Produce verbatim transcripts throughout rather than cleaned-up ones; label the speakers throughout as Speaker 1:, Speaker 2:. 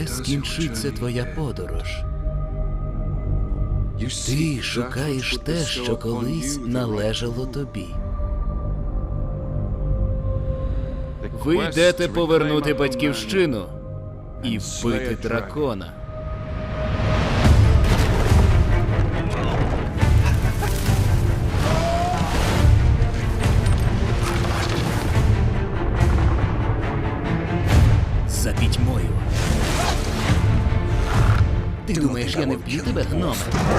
Speaker 1: коли скінчиться твоя подорож? Ти шукаєш те, що колись належало тобі. Ви йдете повернути батьківщину і вбити дракона. За пітьмою. Ти думаєш, я не вб'ю тебе, гноме?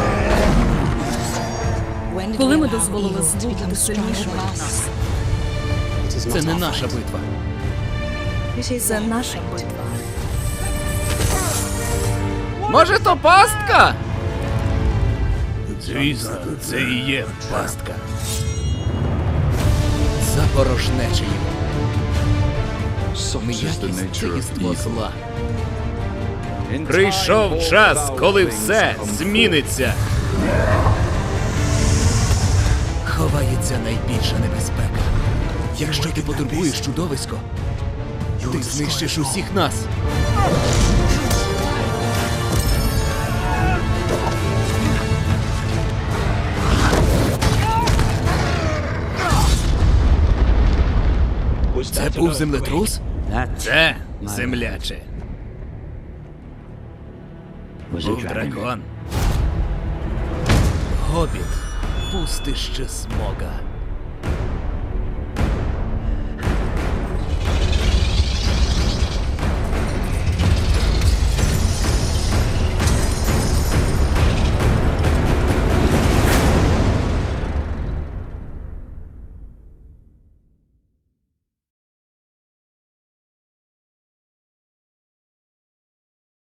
Speaker 2: Коли ми дозволили злу бути сильнішим від нас?
Speaker 1: Це не наша битва.
Speaker 2: Це наша битва.
Speaker 1: Може, то пастка? Звісно, це і є пастка. Запорожнече його. М'якість – це єство зла. Прийшов час, коли все зміниться. Ховається найбільша небезпека. Якщо ти потурбуєш чудовисько, ти знищиш усіх нас. Це був землетрус? Це земляче. Був дракон. Гобіт, пустище Смога.